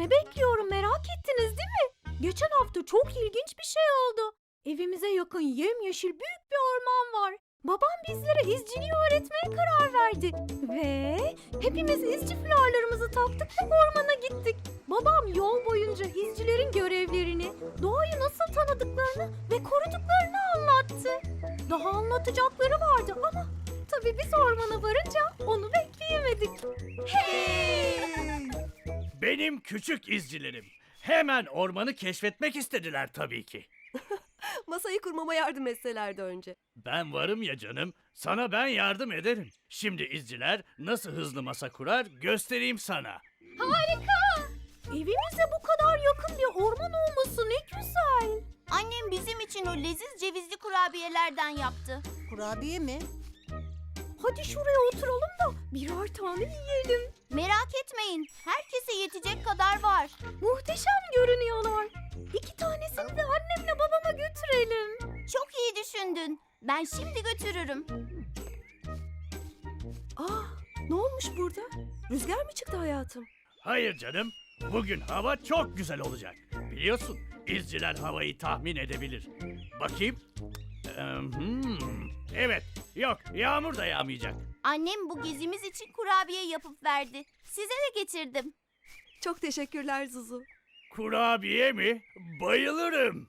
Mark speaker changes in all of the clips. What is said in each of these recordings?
Speaker 1: ne bekliyorum merak ettiniz değil mi? Geçen hafta çok ilginç bir şey oldu. Evimize yakın yemyeşil büyük bir orman var. Babam bizlere izciliği öğretmeye karar verdi. Ve hepimiz izci fularlarımızı taktık ve ormana gittik. Babam yol boyunca izcilerin görevlerini, doğayı nasıl tanıdıklarını ve koruduklarını anlattı. Daha anlatacakları vardı ama tabii biz ormana varınca onu bekleyemedik. Hey!
Speaker 2: Benim küçük izcilerim. Hemen ormanı keşfetmek istediler tabii ki.
Speaker 3: Masayı kurmama yardım etselerdi önce.
Speaker 2: Ben varım ya canım, sana ben yardım ederim. Şimdi izciler nasıl hızlı masa kurar göstereyim sana.
Speaker 1: Harika! Evimize bu kadar yakın bir orman olması ne güzel.
Speaker 4: Annem bizim için o leziz cevizli kurabiyelerden yaptı.
Speaker 5: Kurabiye mi?
Speaker 1: Hadi şuraya oturalım da birer tane yiyelim.
Speaker 4: Merak etmeyin, herkese yetecek kadar var.
Speaker 1: Muhteşem görünüyorlar. 2 tanesini de annemle babama götürelim.
Speaker 4: Çok iyi düşündün. Ben şimdi götürürüm.
Speaker 3: Ne olmuş burada? Rüzgar mı çıktı hayatım?
Speaker 2: Hayır canım, bugün hava çok güzel olacak. Biliyorsun, izciler havayı tahmin edebilir. Bakayım. Evet, yok yağmur da yağmayacak.
Speaker 4: Annem bu gezimiz için kurabiye yapıp verdi. Size de getirdim.
Speaker 3: Çok teşekkürler Zuzu.
Speaker 2: Kurabiye mi? Bayılırım.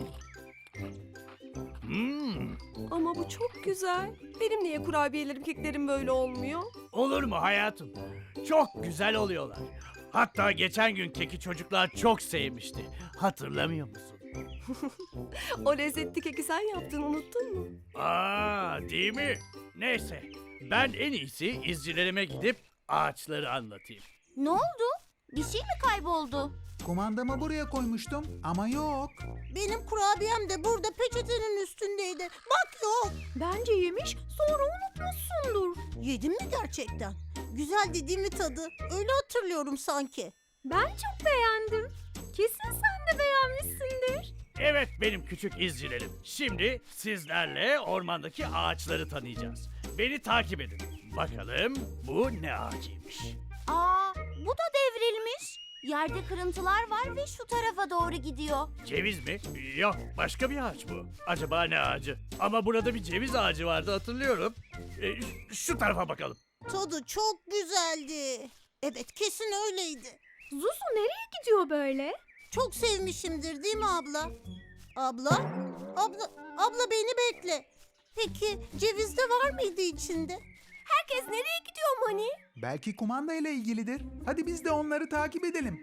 Speaker 3: Ama bu çok güzel. Benim niye kurabiyelerim, keklerim böyle olmuyor?
Speaker 2: Olur mu hayatım? Çok güzel oluyorlar. Hatta geçen gün keki çocuklar çok sevmişti. Hatırlamıyor musun?
Speaker 3: O lezzetli keki sen yaptın, unuttun mu?
Speaker 2: Değil mi? Neyse, ben en iyisi izcilerime gidip ağaçları anlatayım.
Speaker 4: Ne oldu? Bir şey mi kayboldu?
Speaker 6: Kumandamı buraya koymuştum ama yok.
Speaker 5: Benim kurabiyem de burada peçetenin üstündeydi. Bak yok.
Speaker 1: Bence yemiş sonra unutmuşsundur.
Speaker 5: Yedim mi gerçekten? Güzeldi değil mi tadı? Öyle hatırlıyorum sanki.
Speaker 1: Ben çok beğendim. Kesin sen de beğenmişsindir.
Speaker 2: Evet benim küçük izcilerim. Şimdi sizlerle ormandaki ağaçları tanıyacağız. Beni takip edin. Bakalım bu ne ağacıymış?
Speaker 4: Bu da devrilmiş. Yerde kırıntılar var ve şu tarafa doğru gidiyor.
Speaker 2: Ceviz mi? Yok, başka bir ağaç bu. Acaba ne ağacı? Ama burada bir ceviz ağacı vardı hatırlıyorum. Şu tarafa bakalım.
Speaker 5: Tadı çok güzeldi. Evet kesin öyleydi.
Speaker 1: Zuzu nereye gidiyor böyle?
Speaker 5: Çok sevmişimdir değil mi abla? Abla? Abla beni bekle. Peki ceviz de var mıydı içinde?
Speaker 3: Herkes nereye gidiyor Mani?
Speaker 6: Belki kumanda ile ilgilidir. Hadi biz de onları takip edelim.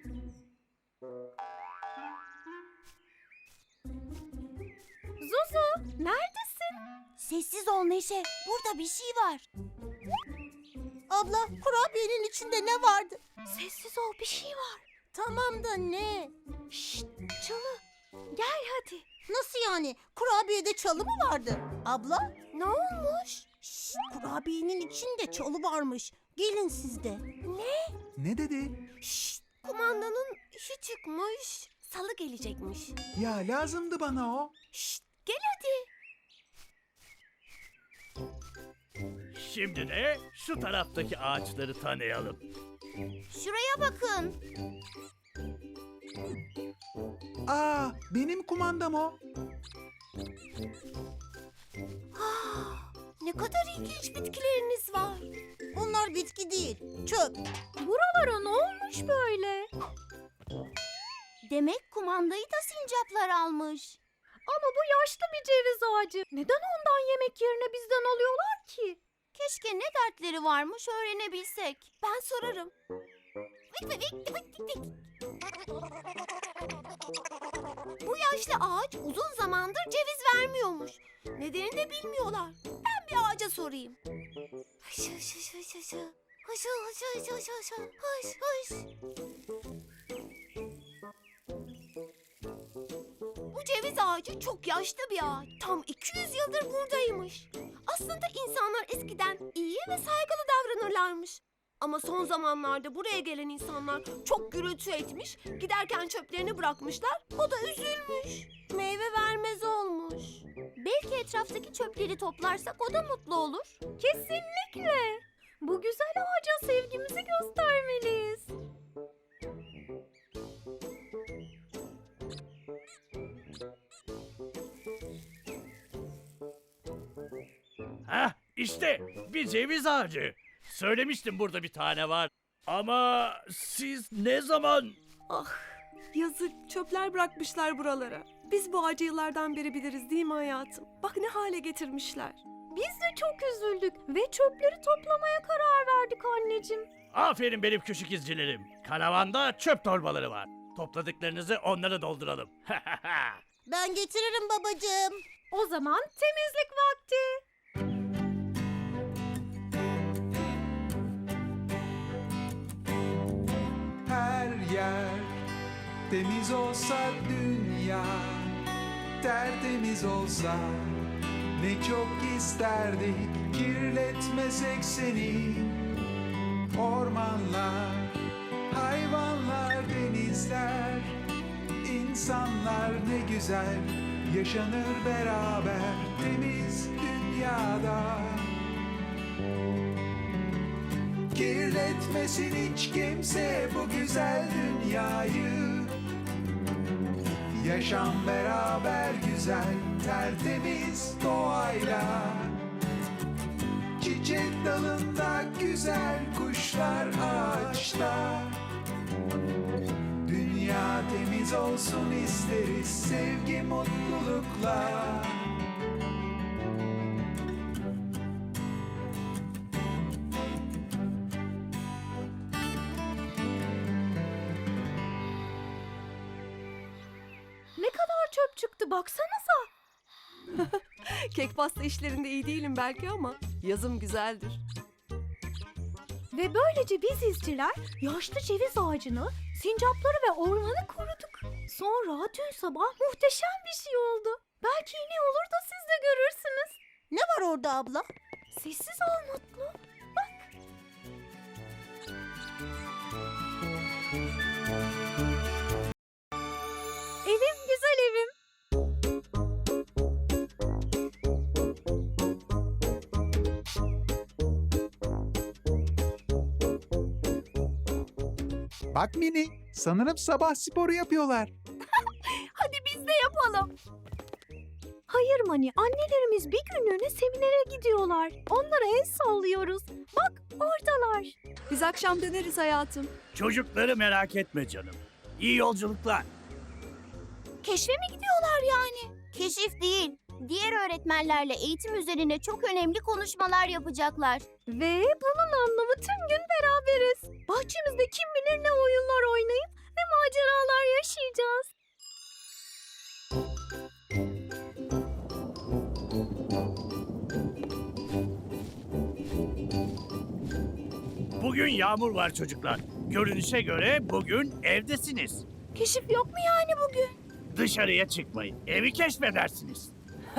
Speaker 1: Zuzu neredesin?
Speaker 4: Sessiz ol Neşe. Burada bir şey var.
Speaker 5: Abla kurabiyenin içinde ne vardı?
Speaker 1: Sessiz ol bir şey var.
Speaker 5: Tamam da ne?
Speaker 1: Şşt Çalı gel hadi.
Speaker 5: Nasıl yani? Kurabiyede çalı mı vardı? Abla?
Speaker 4: Ne olmuş?
Speaker 5: Şşt, kurabiyenin içinde çalı varmış. Gelin siz de.
Speaker 6: Ne dedi?
Speaker 5: Şşt,
Speaker 3: Kumandanın işi çıkmış. Salı gelecekmiş.
Speaker 6: Ya lazımdı bana o.
Speaker 5: şşt.
Speaker 3: Gel hadi.
Speaker 2: Şimdi de şu taraftaki ağaçları tanıyalım.
Speaker 4: Şuraya bakın.
Speaker 6: Benim kumandam o.
Speaker 3: Ne kadar ilginç bitkileriniz var.
Speaker 5: Onlar bitki değil, çöp.
Speaker 1: Buralara ne olmuş böyle?
Speaker 4: Demek kumandayı da sincaplar almış.
Speaker 1: Ama bu yaşlı bir ceviz ağacı. Neden ondan yemek yerine bizden alıyorlar ki?
Speaker 4: Keşke ne dertleri varmış öğrenebilsek.
Speaker 3: Ben sorarım. Bu yaşlı ağaç uzun zamandır ceviz vermiyormuş. Nedenini de bilmiyorlar. Ben bir ağaca sorayım. Hış hış hış hış hış. Hış hış hış hış hış. Hış hış. Bu ceviz ağacı çok yaşlı bir ağaç. Tam 200 yıldır buradaymış. Aslında insanlar eskiden iyi ve saygılı davranırlarmış. Ama son zamanlarda buraya gelen insanlar çok gürültü etmiş, giderken çöplerini bırakmışlar, o da üzülmüş. Meyve vermez olmuş.
Speaker 4: Belki etraftaki çöpleri toplarsak o da mutlu olur.
Speaker 1: Kesinlikle. Bu güzel ağaca sevgimizi göstermeliyiz.
Speaker 2: İşte bir ceviz ağacı. Söylemiştim burada bir tane var. Ama siz ne zaman...
Speaker 7: Ah, yazık çöpler bırakmışlar buralara. Biz bu ağacı yıllardan beri biliriz değil mi hayatım? Bak ne hale getirmişler.
Speaker 1: Biz de çok üzüldük ve çöpleri toplamaya karar verdik anneciğim.
Speaker 2: Aferin benim küçük izcilerim. Karavanda çöp torbaları var. Topladıklarınızı onlara dolduralım.
Speaker 5: Ben getiririm babacığım.
Speaker 1: O zaman temizlik vakti.
Speaker 6: Her yer temiz olsa dünya, tertemiz olsa ne çok isterdik kirletmesek seni. Ormanlar, hayvanlar, denizler, insanlar ne güzel yaşanır beraber temiz dünyada. Kirletmesin hiç kimse bu güzel dünyayı. Yaşam beraber güzel, tertemiz doğayla. Çiçek dalında güzel, kuşlar ağaçta. Dünya temiz olsun isteriz, sevgi mutlulukla.
Speaker 1: Ne kadar çöp çıktı baksanıza.
Speaker 7: Kek pasta işlerinde iyi değilim belki ama yazım güzeldir.
Speaker 1: Ve böylece biz izciler yaşlı ceviz ağacını, sincapları ve ormanı koruduk. Sonra dün sabah muhteşem bir şey oldu. Belki yine olur da siz de görürsünüz.
Speaker 5: Ne var orada abla?
Speaker 1: Sessiz ol Mutlu. Evim güzel evim.
Speaker 6: Bak Mini, sanırım sabah sporu yapıyorlar.
Speaker 1: Hadi biz de yapalım. Hayır Mani, annelerimiz bir günlüğüne seminere gidiyorlar. Onlara el sallıyoruz. Bak oradalar.
Speaker 7: Biz akşam döneriz hayatım.
Speaker 2: Çocukları merak etme canım. İyi yolculuklar.
Speaker 4: Keşfe mi gidiyorlar yani? Keşif değil. Diğer öğretmenlerle eğitim üzerine çok önemli konuşmalar yapacaklar.
Speaker 1: Ve bunun anlamı tüm gün beraberiz. Bahçemizde kim bilir ne oyunlar oynayıp ne maceralar yaşayacağız.
Speaker 2: Bugün yağmur var çocuklar. Görünüşe göre bugün evdesiniz.
Speaker 1: Keşif yok mu yani bugün?
Speaker 2: Dışarıya çıkmayın. Evi keşfedersiniz.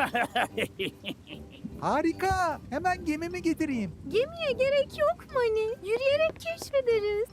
Speaker 6: Harika, hemen gemimi getireyim.
Speaker 1: Gemiye gerek yok Mani. Yürüyerek keşfederiz.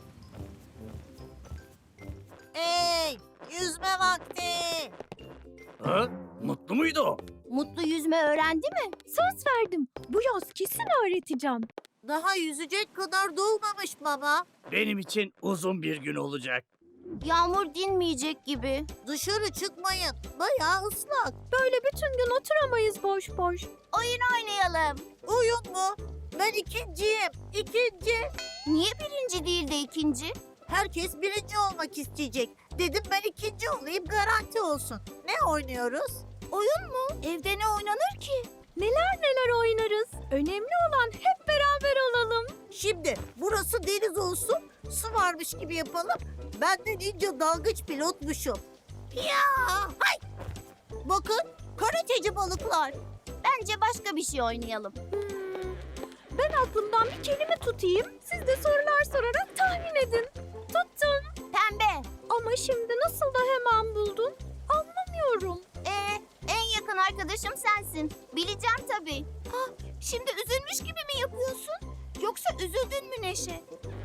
Speaker 5: Hey, yüzme vakti.
Speaker 2: Ha? Mutlu muydu o?
Speaker 4: Mutlu yüzme öğrendi mi?
Speaker 1: Söz verdim. Bu yaz kesin öğreteceğim.
Speaker 5: Daha yüzecek kadar dolmamış baba.
Speaker 2: Benim için uzun bir gün olacak.
Speaker 4: Yağmur dinmeyecek gibi.
Speaker 5: Dışarı çıkmayın. Bayağı ıslak.
Speaker 1: Böyle bütün gün oturamayız boş boş.
Speaker 4: Oyun oynayalım.
Speaker 5: Oyun mu? Ben ikinciyim. İkinci.
Speaker 4: Niye birinci değil de ikinci?
Speaker 5: Herkes birinci olmak isteyecek. Dedim ben ikinci olayım, garanti olsun. Ne oynuyoruz?
Speaker 4: Oyun mu? Evde ne oynanır ki?
Speaker 1: Neler neler oynarız. Önemli olan hep beraber olalım.
Speaker 5: Şimdi burası deniz olsun, su varmış gibi yapalım. Ben de ninja dalgıç pilotmuşum. Ya, hay! Bakın, karateci balıklar.
Speaker 4: Bence başka bir şey oynayalım.
Speaker 1: Ben aklımdan bir kelime tutayım. Siz de sorular sorarak tahmin edin. Tuttum.
Speaker 4: Pembe.
Speaker 1: Ama şimdi nasıl da hemen buldun? Anlamıyorum.
Speaker 4: En yakın arkadaşım sensin. Bileceğim tabii. Ha, şimdi üzülmüş gibi mi yapıyorsun? Yoksa üzüldün mü Neşe?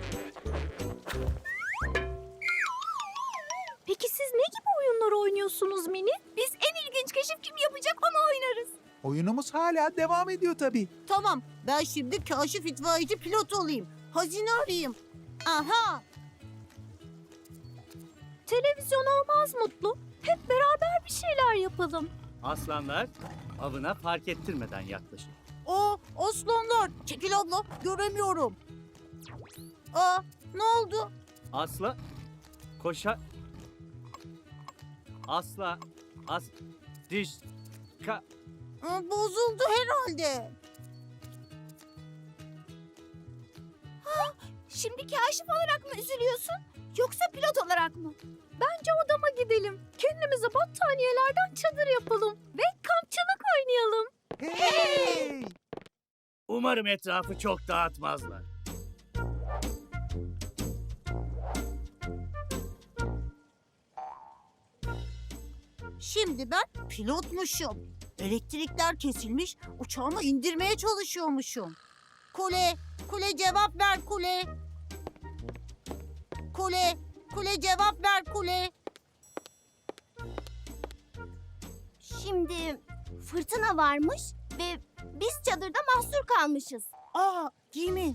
Speaker 1: Peki siz ne gibi oyunlar oynuyorsunuz Mini?
Speaker 4: Biz en ilginç keşif kim yapacak onu oynarız.
Speaker 6: Oyunumuz hala devam ediyor tabii.
Speaker 5: Tamam, ben şimdi kaşif itfaiyeci pilot olayım. Hazine arayayım. Aha,
Speaker 1: Televizyon olmaz Mutlu. Hep beraber bir şeyler yapalım.
Speaker 2: Aslanlar avına fark ettirmeden yaklaşın.
Speaker 5: o Aslanlar, çekil abla, göremiyorum. Aa, ne oldu?
Speaker 8: Asla koşa asla as diş ka
Speaker 5: Bozuldu herhalde.
Speaker 4: Şimdi kaşif olarak mı üzülüyorsun? Yoksa pilot olarak mı?
Speaker 1: Bence odama gidelim. Kendimize battaniyelerden çadır yapalım. Ve kampçılık oynayalım.
Speaker 6: Hey!
Speaker 2: Umarım etrafı çok dağıtmazlar.
Speaker 5: Şimdi ben pilotmuşum. Elektrikler kesilmiş, uçağımı indirmeye çalışıyormuşum. Kule, kule cevap ver kule. Kule, kule cevap ver kule.
Speaker 4: Şimdi fırtına varmış ve biz çadırda mahsur kalmışız.
Speaker 5: Aa, Gemi.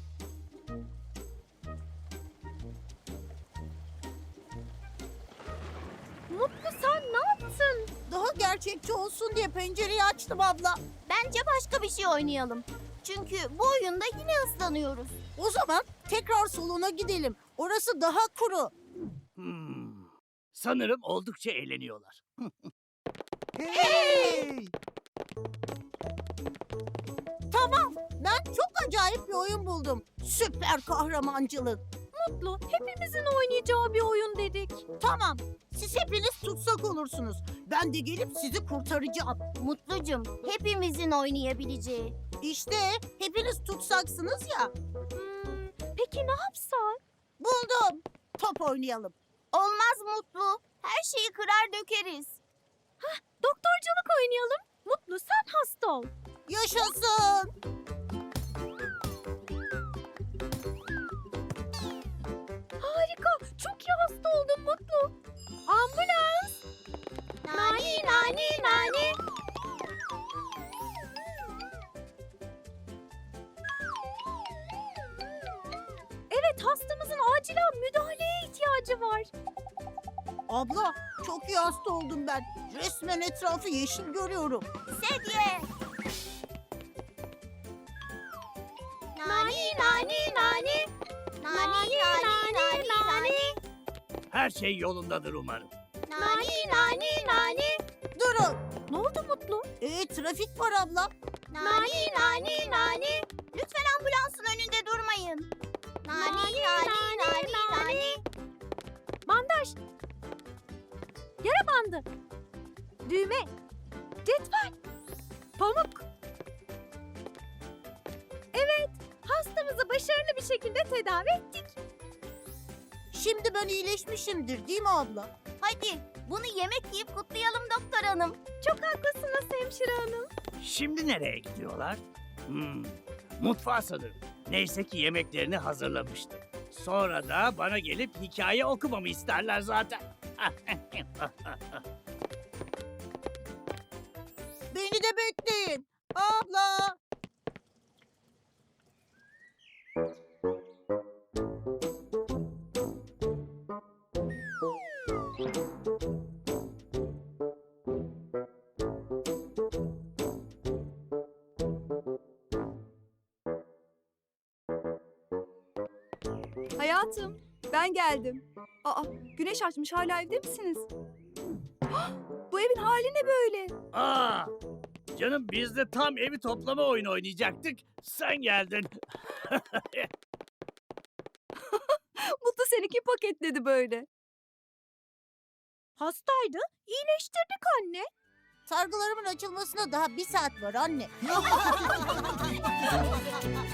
Speaker 1: Mutlu sen ne yaptın?
Speaker 5: Daha gerçekçi olsun diye pencereyi açtım abla.
Speaker 4: Bence başka bir şey oynayalım. Çünkü bu oyunda yine ıslanıyoruz.
Speaker 5: O zaman tekrar salona gidelim. Orası daha kuru.
Speaker 2: Sanırım oldukça eğleniyorlar.
Speaker 6: Hey!
Speaker 5: Tamam, ben çok acayip bir oyun buldum. Süper kahramancılık.
Speaker 1: Mutlu, hepimizin oynayacağı bir oyun dedik.
Speaker 5: Tamam, siz hepiniz tutsak olursunuz. Ben de gelip sizi kurtaracağım.
Speaker 4: Mutlucum, hepimizin oynayabileceği.
Speaker 5: İşte hepiniz tutsaksınız ya.
Speaker 1: Peki ne yapsak?
Speaker 5: Buldum. Top oynayalım.
Speaker 4: Olmaz Mutlu. Her şeyi kırar dökeriz.
Speaker 1: Doktorculuk oynayalım. Mutlu sen hasta ol.
Speaker 5: Yaşasın.
Speaker 1: Harika. Çok iyi hasta oldun Mutlu. Ambulans.
Speaker 4: Nani nani nani.
Speaker 1: Evet hastamızın acilen müdahaleye ihtiyacı var.
Speaker 5: Abla, çok iyi hasta oldum ben. Resmen etrafı yeşil görüyorum.
Speaker 4: Sedye. Nani nani nani. Nani nani nani nani.
Speaker 2: Her şey yolundadır umarım.
Speaker 4: Nani nani nani.
Speaker 5: Durun.
Speaker 1: Ne oldu Mutlu?
Speaker 5: Trafik var abla.
Speaker 4: Nani nani nani. Lütfen ambulansın önünde durmayın. Nani nani nani nani.
Speaker 1: Bandaj. Yara bandı. Düğme. Cetvel. Pamuk. Evet, hastamızı başarılı bir şekilde tedavi ettik.
Speaker 5: Şimdi ben iyileşmişimdir değil mi abla?
Speaker 4: Hadi bunu yemek yiyip kutlayalım doktor hanım.
Speaker 1: Çok haklısınız hemşire hanım.
Speaker 2: Şimdi nereye gidiyorlar? Mutfağa sanırım. Neyse ki yemeklerini hazırlamıştım. Sonra da bana gelip hikaye okumamı isterler zaten.
Speaker 5: Beni de bekleyin. Abla.
Speaker 7: Hayatım, ben geldim. Aa, güneş açmış, hala evde misiniz? Hah, bu evin hali ne böyle?
Speaker 2: Aa, canım biz de tam evi toplama oyunu oynayacaktık. Sen geldin.
Speaker 7: Mutlu seni kim paketledi böyle?
Speaker 1: Hastaydı, iyileştirdik anne.
Speaker 5: Sargılarımın açılmasına daha 1 saat var anne.